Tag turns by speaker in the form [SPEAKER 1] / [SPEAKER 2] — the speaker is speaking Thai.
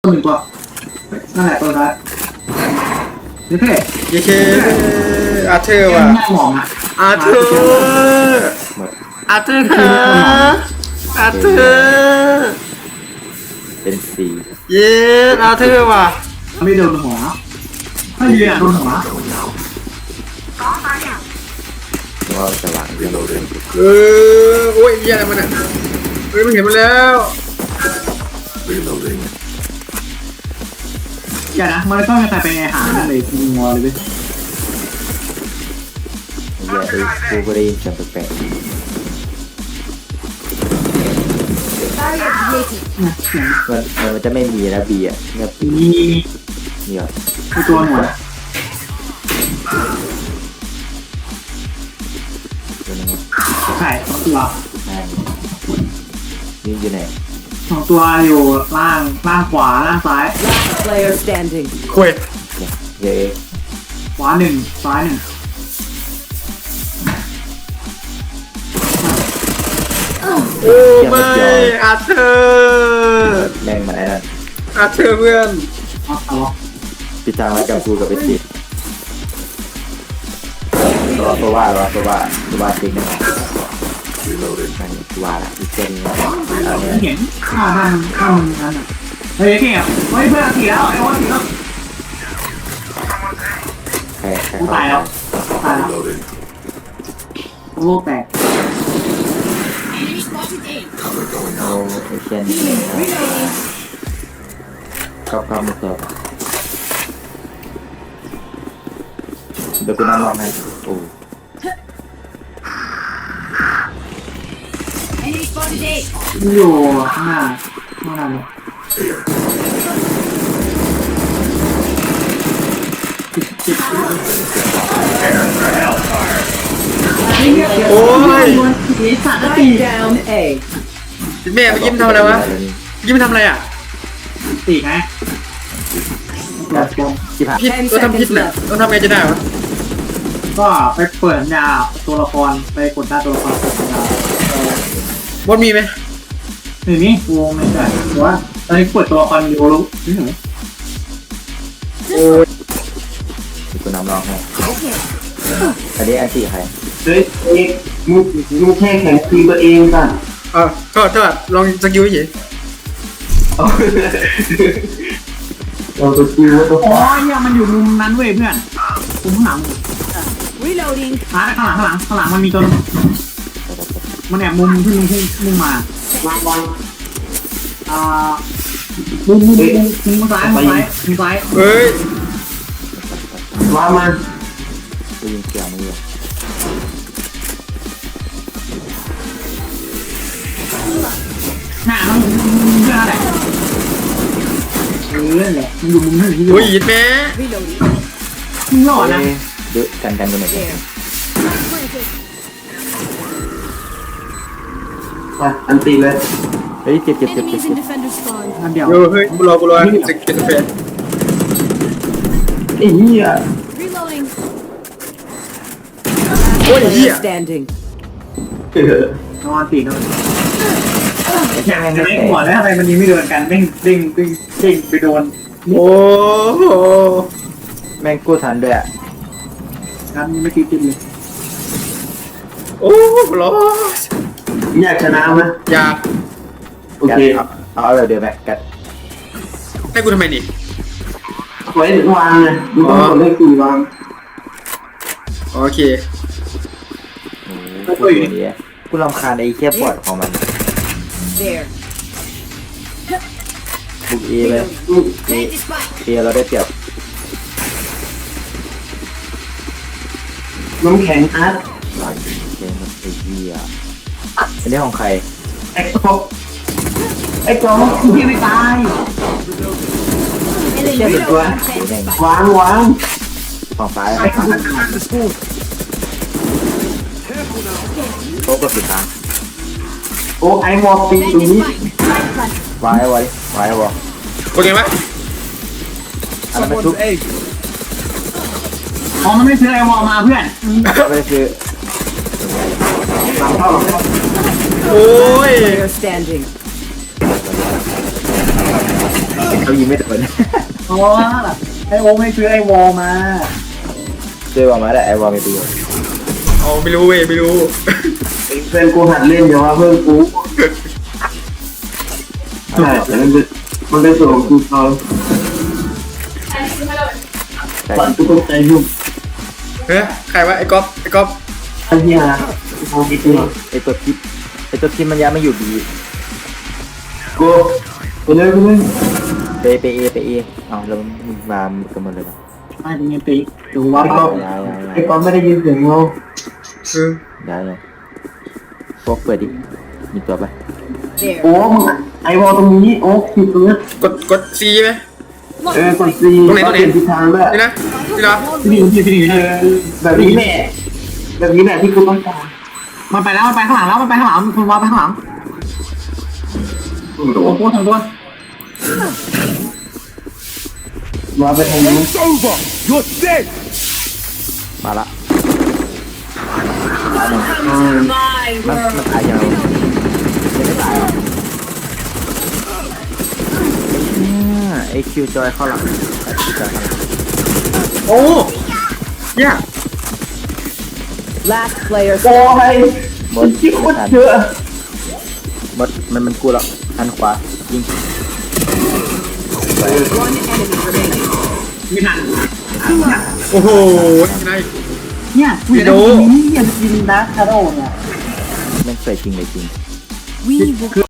[SPEAKER 1] ตัวหนึ่งตัวนั่นแหละตัวท้ายนี่เพ่
[SPEAKER 2] เยเคอาเธอร์ว่ะ
[SPEAKER 1] หน้าหมองอ่ะ
[SPEAKER 2] อาเธอร์อาเธอร์ค่ะอาเธอร์
[SPEAKER 3] เป็นสี
[SPEAKER 2] เย้อาเธอร์ว่ะ
[SPEAKER 1] ไม่โดนหัวถ้ายืนโดนหัว
[SPEAKER 3] ว่าสว่างเรื่องเรื่อง
[SPEAKER 2] โอ้ยเหี้ยอะไรมันอ่ะเฮ้ยมันเห็นมันแล้ว
[SPEAKER 1] อย่านะมันต้องใครไปหาเลยงัวเลยเว้ย
[SPEAKER 3] เยอะเลยกูก็ได้ยินเสียงแปลก
[SPEAKER 1] เนี่ยเสียง
[SPEAKER 3] ๆมันจะไม่มีนะบีอ่ะเงียบ
[SPEAKER 1] มี
[SPEAKER 3] เงียบ
[SPEAKER 1] ตัวหนวด
[SPEAKER 3] ตัวนึง
[SPEAKER 1] ไข่สองตัว
[SPEAKER 3] นี่อยู่ไหน
[SPEAKER 1] สองตัวอยู่ล่างขวาล่างซ้าย
[SPEAKER 4] Player standing.
[SPEAKER 2] คุย
[SPEAKER 3] เยอะ
[SPEAKER 1] ขวาหนึ่งซ้ายหนึ่ง
[SPEAKER 2] โอ้ไม่อาเธอร์
[SPEAKER 3] แม่งมาไอ้นั่น
[SPEAKER 2] อาเธอร์เพื่อน
[SPEAKER 1] เอา
[SPEAKER 3] ปิดทางไว้กับกูกับไปสิตัวว่าจริงนะตัวละอีกเส้น
[SPEAKER 1] ไม่เห็นข้านั่นนั่นอ่ะเฮ้ยเก่งอ่ะเฮ้ยเพื่อนตีแล้วไอ้วอนตีแล้ว
[SPEAKER 3] ใคร
[SPEAKER 1] ตายแล้วโลกแตก
[SPEAKER 3] เอาไอ้เช่นกับมือเกิดเดี๋ยวกูนั่งรอให้โอ้
[SPEAKER 1] อยู่ข้างหน้าเลย
[SPEAKER 2] โอ้ย
[SPEAKER 1] สีสัตว์ตี
[SPEAKER 4] Down A.
[SPEAKER 2] แม่ไปยิ้มทำอะไรวะยิ้มทำอะไรอ่ะ
[SPEAKER 1] ตีไง
[SPEAKER 3] ที่ผ่าน
[SPEAKER 2] พิษก็ทำพิษแหละต้องทำไงจะได้วะ
[SPEAKER 1] ก็ไปเปิดยาตัวละครไปกดหน้าตัวละครเปิดยา
[SPEAKER 2] บอลมีไหม
[SPEAKER 1] หนึ่งนี้วงไม่ใช่หรือว่าตอนนี้เปิดตัวละครอยู่รู้นี่หนู
[SPEAKER 2] โอ้ย
[SPEAKER 3] กูนำรองให้อันนี้อันที่ใคร
[SPEAKER 5] เฮ้ยเอกมึงแค่แข่งทีมตัวเองป่ะ
[SPEAKER 2] ก็ลองสกิลเฉย
[SPEAKER 5] เราตัวคิวว่าตัว
[SPEAKER 1] อ๋อเนี่ยมันอยู่มุมนั้นเว้ยเพื่อนมุมข้างหลัง
[SPEAKER 4] Reloading.
[SPEAKER 1] ข้างหลังมันมีตัวมันแอบมุมที่มุ่งมามุมซ้าย
[SPEAKER 2] เฮ้ย
[SPEAKER 5] ว่ามา
[SPEAKER 3] กูยิงเกี่ยวมือ
[SPEAKER 1] หน้ามันเพื่อนอะไรแหละมันอยู่มุมนั้นที่
[SPEAKER 2] โอ้ยยิดแม่
[SPEAKER 4] Reloading.
[SPEAKER 1] มึงหล่อนะ
[SPEAKER 3] ดูกันกันหน่อย
[SPEAKER 4] There.
[SPEAKER 5] ไปอันตีเลย
[SPEAKER 3] เฮ้ยเจ็บ
[SPEAKER 4] Enemies in defender spawn.
[SPEAKER 1] นั่นเดียว
[SPEAKER 2] เฮ้ยกูรอจะกินกาแฟ
[SPEAKER 5] ไอ้เหี้ย
[SPEAKER 4] Reloading.
[SPEAKER 2] โอ้ยเหี้ย
[SPEAKER 4] Player standing.
[SPEAKER 1] นอนตีกันอยากจะเล่นหัวแล้วทำไมมันนี้ไม่โดนกันเด้งไปโดน
[SPEAKER 2] โอ้โห
[SPEAKER 3] แม่งกู้ทันด้วยอ่ะ
[SPEAKER 1] กันไม่ติดเลย
[SPEAKER 2] โอ้รอ
[SPEAKER 5] อยากชนะไหม
[SPEAKER 2] อยาก
[SPEAKER 5] โอเค
[SPEAKER 3] เอาแบบเดิมแม็กกัด
[SPEAKER 2] ให้กูทำไมนี่
[SPEAKER 5] ไว้วางเลยมึงต้องกดเลขสี่วาง
[SPEAKER 2] โอเค
[SPEAKER 3] โอ้โหตัวนี้กูรำคาญไอ้แค่ปอดของมัน
[SPEAKER 4] There.
[SPEAKER 3] บุกเอเลยเอเราได้เปรียบ
[SPEAKER 5] น้ำแข็งอาร์ต
[SPEAKER 3] หลังเกมมันไอ้เหี้ยอันนี้ของใคร
[SPEAKER 5] ไอ้ก๊อกพี่ไม่ตาย
[SPEAKER 4] Enemy
[SPEAKER 5] เชื่อเป็นตัว
[SPEAKER 4] reloading.
[SPEAKER 5] วาง
[SPEAKER 3] ของซ้ายโต๊ะก็สุดทาง
[SPEAKER 5] โอ้ไอ้วอลปีตรงนี้
[SPEAKER 3] ไว้วะ
[SPEAKER 2] โอเคไหม
[SPEAKER 3] อันนั้นมันทุก
[SPEAKER 1] อ๋อมันไม่ซื้อไอวอลมาเพื่อน
[SPEAKER 3] ไม่ได้คือ
[SPEAKER 5] หลังเข้า
[SPEAKER 2] โอ้ย
[SPEAKER 4] Player standing.
[SPEAKER 3] เขายิงไม่โดน
[SPEAKER 1] เพราะว่าไอโอไม่ซื้อไอวอลมา
[SPEAKER 3] ช่วยบอกมาได้ไอ้วอลไม่ประโยชน์
[SPEAKER 2] เอาไม่รู้เว้ยไม่รู้
[SPEAKER 5] เพื่อนกูหัดเล่นเดี๋ยวว่าเพื่อนกูใช่แต่มันเป็นส่วนของกูเขา
[SPEAKER 3] ใช่
[SPEAKER 5] ฝันกูตกใจยุ่ง
[SPEAKER 2] เฮ้ยใครวะไอ้ก๊อฟไอ้ก๊อฟ
[SPEAKER 5] ไอ้เหี้ยมองไม่เจอ
[SPEAKER 3] ไอ้ตัวทิปมันย้ายมาอยู่บี
[SPEAKER 5] กูไปเลย
[SPEAKER 3] ไปเอเอาแล้วมึงมากันหมดเลยนะ
[SPEAKER 1] ไม่เป็นไงปีดูว่า
[SPEAKER 3] ย้าย
[SPEAKER 5] ไอ้ก้อนไม่ได้ยินเสียงเรา
[SPEAKER 3] ย้ายเลยพวกเปิดดิมีตัวปะ
[SPEAKER 4] There.
[SPEAKER 5] โอ้มึงไอ้วอลตรงนี้โอ้ผิดตรงนี้
[SPEAKER 2] กดซีไหม
[SPEAKER 5] กดซีเปลี่ยนทิศทางด้วย
[SPEAKER 2] นี่นะนี่นะ
[SPEAKER 1] พี่หนี
[SPEAKER 5] แบบนี้แหละแบบนี้แหละที่กูต้องการ
[SPEAKER 1] มันไปแล้วมันไปข้างหลังแล้วมันไปข้างหลังมันวาไปข้างหลังโอ้โหทางตัว
[SPEAKER 5] มาไปทางนี้
[SPEAKER 3] มาละ
[SPEAKER 4] My
[SPEAKER 3] มัน
[SPEAKER 4] world.
[SPEAKER 3] ตายยังไม่ตายไอคิวจอยเข้าหลัง
[SPEAKER 2] โอ้เนี่ย
[SPEAKER 4] Last player
[SPEAKER 5] โอ้ย
[SPEAKER 3] บน
[SPEAKER 5] ที่โคตรเยอะ
[SPEAKER 3] หมดมันกูแล้วอันขวายิง
[SPEAKER 4] One enemy remaining.
[SPEAKER 1] ไม่ทัน
[SPEAKER 2] โอ้โหที่ไหน
[SPEAKER 1] เนี่ยกูจะได้ยินนี้ยังกินนะคาร์โร่เนี่ย
[SPEAKER 3] แม่งใส่จริงเลยจริง
[SPEAKER 4] We will